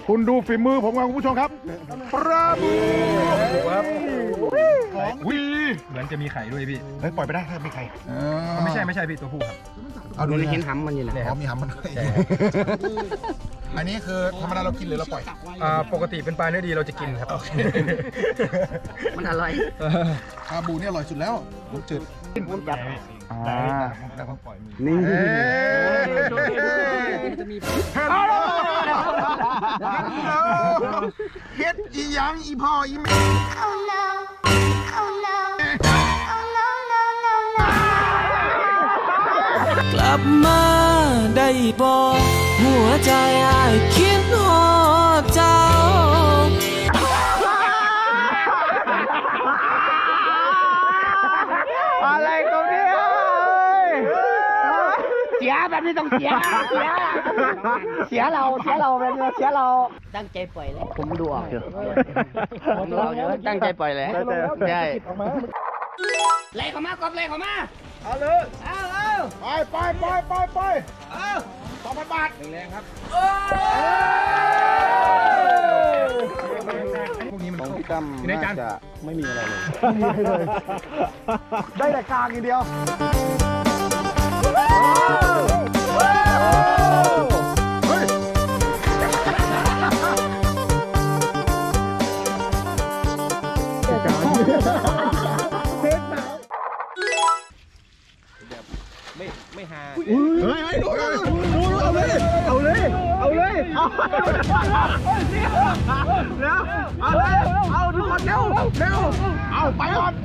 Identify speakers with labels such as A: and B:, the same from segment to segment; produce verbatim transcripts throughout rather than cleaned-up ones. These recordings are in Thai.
A: คุณดูฝีมือผมครับคุณผู้ชมครับปลาบูครับของดี
B: เหมือนจะมีไข่ด้วยพี่
A: เฮ้ยปล่อยไปได้ถ้าไม่ไข่
B: ไม่ใช่ไม่ใช่พี่ตัวผู้ครับ
C: เอาดูเห็นหำมันอยู่นะ
A: อ๋อมีหำมันอันนี้คือธรรมดาเรากินหรือเราปล่อย
B: ปกติเป็นปลาเนื้อดีเราจะกินครับ
C: มันอร่อย
A: ปลาบูนี่อร่อยสุดแล้วผมจืด
C: ผมจับ
A: อ่าแล้วก็ปล่อยมือ
C: นี่
A: เฮ็ดอีหยังอีพ่ออีแม่
D: กลับมาได้บอกหัวใจอ้ายคิดฮอดเจ้า
C: อะไรตรงนี้เสียแบบนี้ต้องเสียเสียเสียเราเสียเราแบบนี้เสียเราตั้งใจปล่อยแล้วผมดูออกอยู่ผมดูออกอยู่ตั้งใจปล่อยแล้วใช่ไล่เขามากบไล่เขามาเอาเลยเอาเลย
A: ไปไปไปไปไปเอาสองพันบาทแรงๆครับ
B: พวกนี้มัน
A: ของพี่ตั้มน่าจะไม่มีอะไรเลยได้แต่กลางอย่างเดียว
B: ไม่ไม่หา
A: เฮ้ยเฮ้ยดูเลยเอาเลยเอาเลยเอาเลยเอาแล้วเอาเลยเอาทุกคนเร็วเร็วเอาไปก่อน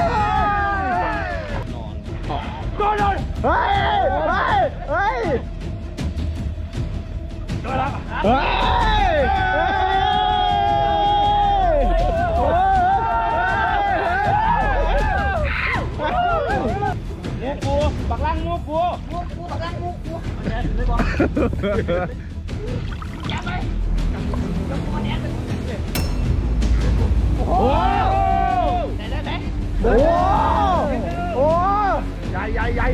A: ก็เลยเฮ้ยเฮ้ยเฮ้ยเฮ้ยงูกูปักล่างงูกูงูกูปักล่างงูกูไม่บอกจับไปจับตัวเนี้ยโอ้โหได้ได้ไหมโอ้โหใหญ่ใหญ่ใหญ่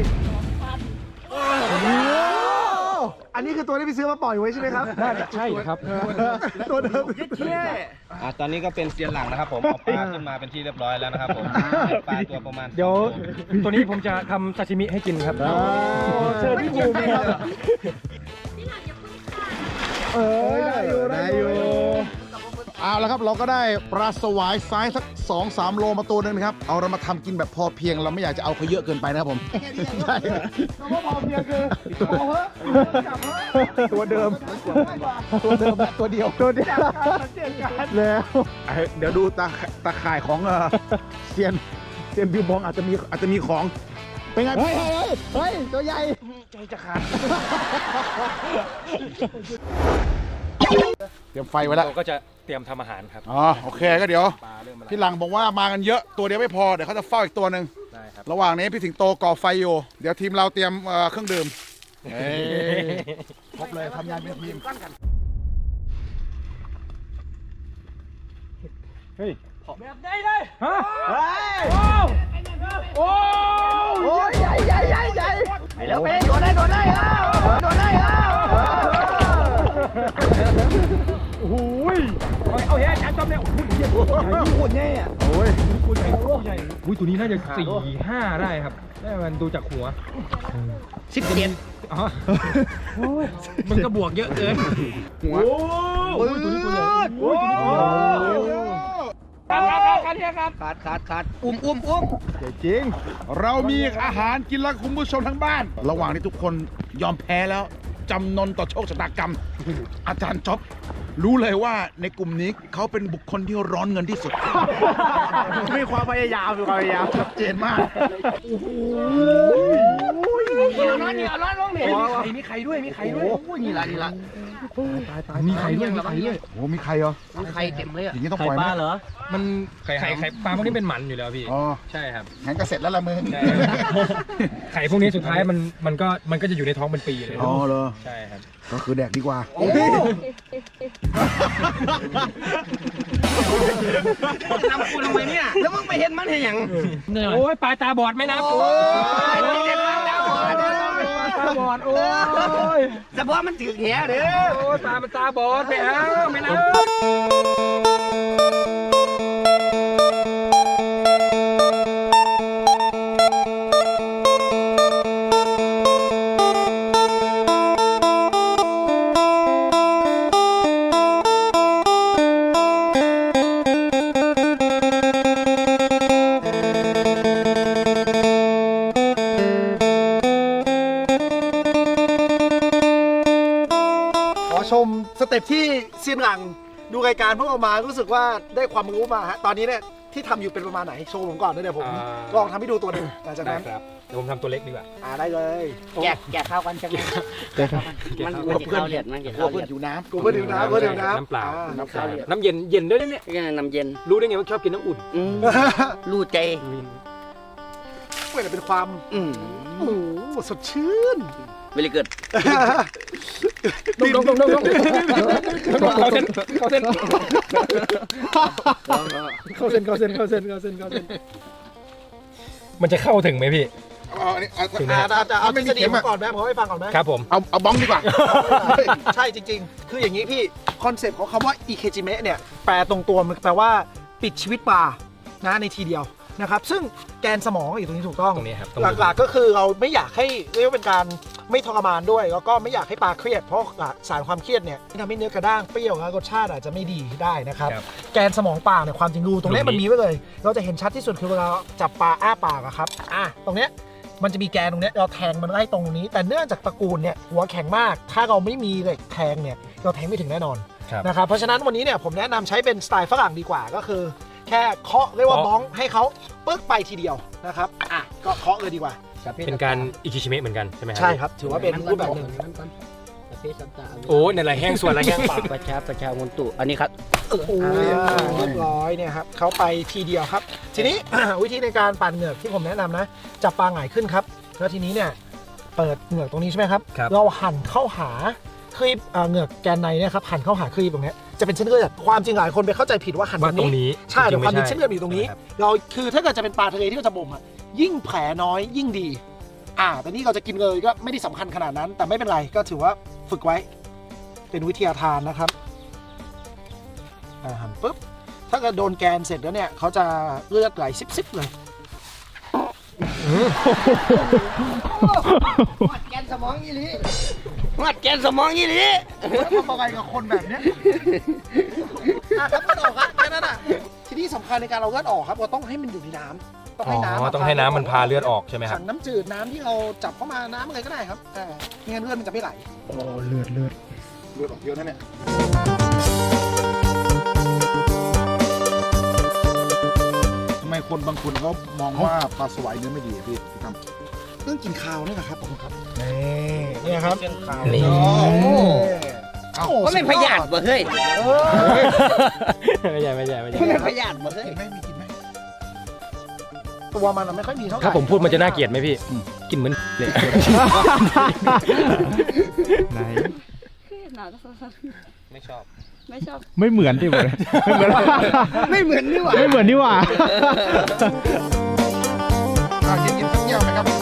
A: อันนี้คือตัวที่พี่ซื้อมาปล่อยไว้ใช่ไหมครับ
B: น่าจะใช่ครับ
A: ตัวเดิม
B: อ่าตอนนี้ก็เป็นเซียนหลังนะครับผมเอาปลาขึ้นมาเป็นที่เรียบร้อยแล้วนะครับผมปลาตัวประมาณเดี๋ยวตัวนี้ผมจะทำซาชิมิให้กินครับ
A: เชิญพี่ภูมิครับเออได้อยู่ได้อยู่เอาละครับเราก็ได้ปลาสวายไซส์สักสองสามโลมาตัวนึงนะครับเอาเรามาทำกินแบบพอเพียงเราไม่อยากจะเอาเขาเยอะเกินไปนะครับผมใช่เพราะพอเพียงคือเอาเหอะตัวเดิมตัวเดิมแบบตัวเดียวตัวเดียวแล้วเดี๋ยวดูตาตาข่ายของเซียนเซียนบิวบองอาจจะมีอาจจะมีของเป็นไงเฮ้ยเฮ้ยตัวใหญ่ใจจะขาดเตรียมไฟไว้แล้ว
B: ก็จะเตรียมทำอาหารครับ
A: อ๋อโอเคก็เดี๋ยวพี่หลังบอกว่ามากันเยอะตัวเดียวไม่พอเดี๋ยวเขาจะเฝ้าอีกตัวหนึ่งระหว่างนี้พี่สิงโตก่อไฟอยู่เดี๋ยวทีมเราเตรียมเครื่องดื่มครบเลยทำงานเป็นทีมเฮ้ยแบบได้เลยฮะโอ้โอ้ใหญ่ใหญ่ใหญ่ใหญ่ไปแล้วไปโดนได้โดนได้แล้วโดนได้แล้วโอ้ยเอาเฮ้ยอาจารย์จอมเนี่ยโอ้โหโคตรใหญ่อะโอ้ยโคตรใหญ่โคตรใหญ่
B: อุ้ยตัวนี้น่าจะสี่ห้าได้ครับได้มันดูจากหัว
C: สิบเจ็ด
B: อ๋อมันก็บวกเยอะเกิน
A: หัวโอ้ยตัวนี้ตัวใหญ่โอ้
C: ขาดขาดขาดอุ้มอุ้มอุ้ม
A: จริงเรามีอาหารกินแล้วคุณผู้ชมทั้งบ้านระหว่างที่ทุกคนยอมแพ้แล้วจำนนต่อโชคชะตากรรมอาจารย์จ๊อบรู้เลยว่าในกลุ่มนี้เขาเป็นบุคคลที่ร้อนเงินที่สุดมีความพยายามมีความพยายามชัดเจนมากโอ้โห
C: เหนียวร้อนเหนียวร้อนร้อนเหนียว
B: มีใครด้วยมีใครด้วย
C: โอ้ยนี่ละนี่ละ
B: ตายตายมีใครด้วยมีใครด้วย
A: โอ้มีใครเหรอ
C: มีใครเต็มเลยอ่ะ
A: อย่างนี้ต้องปล่อยไหม
B: เหรอมันไข่ไข่ไข่ปลาพวกนี้เป็นหมันอยู่แล้วพี่
A: อ๋อ
B: ใช่ครับ
A: งั้นก็เสร็จแล้วละมึง
B: ไข่พวกนี้สุดท้ายมันมันก็มันก็จะอยู่ในท้องเป็นปีเลย
A: อ๋อเหรอ
B: ใช่ครับ
A: ก็คือแดกดีกว่า
C: ทำกูทำไมเนี่ยแล้วมึงไปเห็นมันเห็นยัง
B: โอ้ยปลาตาบอดไหมนะโอ้ยตาบอดโอ้ย
C: เฉพาะมันถือแหเด้อ
B: โอ้ตามันตาบอดไปเอาไม่นะ
E: ขอชมสเต็ปที่เซียนหลังดูรายการพวกเรามารู้สึกว่าได้ความรู้มาฮะตอนนี้เนี่ยที่ทำอยู่เป็นประมาณไหนโชว์ผมก่อนนะเดี๋ยวผมลองทำให้ดูตัวหนึ่งหลังจาก
B: ได้
E: นั้น
B: ครับเดี๋ยวผมทำตัวเล็กดีกว่า
E: อ่าได้เลย
C: แกะแกะข้าวกันจังเลยมันมันจะเข้าเลือดมันจะ
A: กลัว
C: เข้า
A: เพื่
C: เลื
A: อ
C: อน ด
A: หิวน้
E: กูเพื่อดื่มน้ำเพื่อดื่มน้ำ
B: น้ำเปล่า
E: อ่
C: น้ำเปล่า
B: น้ำเย็นเย็นด้วยนะเนี่ย
C: ก็น้ำเย็น
B: รู้ได้ไงว่าชอบกินน้ำอุ่น
C: อืมรู้ใจ
E: เพื่อเป็นความ
C: อืม
E: โอ้โหสดชื่น
C: เวลิเกิด
B: ดงดงดงดงดงเขาเส้นเขาเส้น
E: เข้าเส้นเข้าเส้นเข้าเส้นเข้าเส้นเข้าเส้น
B: มันจะเข้าถึงไหมพี่
A: ำเอาอันนี้เอา
B: ถึงไหม
E: อ่าจะจะเอาท
A: ไม่
E: ฤ
A: มี
E: ษฎี
A: เข็ม
E: ผม
A: อะ
E: ก่อนไหมผมให้ฟังก่อนไหม
B: ครับผม
A: เอาเอาบ้องดีกว่า
E: ใช่จริงๆ คืออย่างนี้พี่คอนเซปต์ของคำว่า อิเคจิเมะเนี่ยแปลตรงตัวมันแปลว่าปิดชีวิตปลานะในทีเดียวนะครับซึ่งแกนสมองอยู่ตรงนี้ถูกต้อง
B: ตรงนี้ครับ
E: หลักๆก็คือเราไม่อยากให้เรียกว่าเป็นการไม่ทรมานด้วย แล้วก็ไม่อยากให้ปลาเครียดเพราะสารความเครียดเนี่ยทำให้เนื้อกระด้างเปรี้ยวแล้วรสชาติอาจจะไม่ดีได้นะครับ
B: ครับ
E: แกนสมองปลาเนี่ยความจริงรูตรงนี้
B: ตรงนี้
E: มันมีไว้เลย เราจะเห็นชัดที่สุดคือเวลาจับปลาอ้าปากอะครับอ่ะตรงเนี้ยมันจะมีแกนตรงเนี้ยเราแทงมันไล่ตรงนี้ แต่เนื่องจากตระกูลเนี่ยหัวแข็งมาก ถ้าเราไม่มีเหล็กแทงเนี่ยเราแทงไม่ถึงแน่นอน
B: ครับ
E: นะครับเพราะฉะนั้นวันนี้เนี่ยผมแนะนำใช้เป็นสไตล์ฝรั่งดีกว่าก็คือ แค่เคาะเรียกว่า
B: เคาะ
E: บ้องให้เขาปึ๊กไปทีเดียวนะครับอ่ะก็เคาะเลยดีกว่า
B: เป็นการอิคิชิเมะเหมือนกันใช่ไหมครั
E: ใช่ครับ ถือว่าเป็นรูปแบบหนึ่ง
B: โอ้ในไรแห้งส่วนไรแห้งปาก
C: ประชาประชามนตุอันนี้ครับ
E: โอ้โหเรียบร้อยเนี่ยครับเขาไปทีเดียวครับ ทีนี้ วิธีในการปั่นเหงือกที่ผมแนะนำนะจับปลาหงายขึ้นครับแล้วทีนี้เนี่ยเปิดเหงือกตรงนี้ใช่ไหมครับ
B: ครับ
E: เราหั่นเข้าหาครีบเอ่อเหงือกแกนในเนี่ยครับหั่นเข้าหาครีบตรงเนี้ยจะเป็นเส้นเลือดความจริงหลายคนไปเข้าใจผิดว่าหั่น
B: ว่าตรงนี้
E: ใช่แต่ความจริง
B: ๆ
E: เส้นเลือดอยู่ตรงนี้
B: ใช่ไหมคบ
E: เราคือถ้าเกิดจะเป็นปลาทะเลที่เราจะบ่มอ่ะยิ่งแผลน้อยยิ่งดี อ่า แต่นี่เราจะกินเลยก็ไม่ได้สำคัญขนาดนั้น แต่ไม่เป็นไรก็ถือว่าฝึกไว้ เป็นวิทยาทานนะครับอ่าหั่นปุ๊บถ้าเกิดโดนแกนเสร็จแล้วเนี่ยเขาจะเลือดไหลซิบๆเลย
C: วัดแกนสมองยี่ลีวัดแกนสมองยี่ลี
E: แล้วทำอะไรกับคนแบบเนี้ยอ่ะครับเลือดออกครับแค่นั้นอ่ะที่นี่สำคัญในการเอาเลือดออกครับเราต้องให้มันอยู่ในน้ำต้อง
B: อ๋
E: ให้น้ำ
B: อต้องให้น้ำมันพาเลือดออกใช่ไหมครั
E: ถั
B: บ
E: งน้ำจืดน้ำที่เราจับเข้ามาน้ำอะไรก็ได้ครับอ่าไม่งั้นเลือดมันจะไม่ไหล
A: โอ้เลือดเลือดเลือดออกเยอะนะเนี่ยทำไมคนบางคนเขามองว่าปลาสวายเนื้อไม่ดีอะพี่พี่ทำ
E: เรื่องกินข้าวนี่แหละครับผมครับนี่เนี่ยครับ
B: นี่
E: โอ้โห
A: เอ้า
C: ก็ไม่พยาธิบ่เฮ้ย
B: ไม่ใช่ไม่ใช่ไม่ใช่
C: ก็ไม่พยาธิบ่เฮ้ย
A: กินไหมมีกินไหม
E: ตัวมันอะไม่ค่อยมีเท่าไหร่
B: ถ้าผมพูดมันจะน่าเกลียดไหมพี่กินเหมือนเลย
F: ไหน
B: ไม่ชอบ
G: ไม่ชอบ
F: ไม่เหมือนดิผมไม่เหมือน
C: ไม่เหมือนนี่หว่า
F: ไม่เหมือนนี่หว่า
A: อ่ะกินกินสักเที่ยวไหมครับ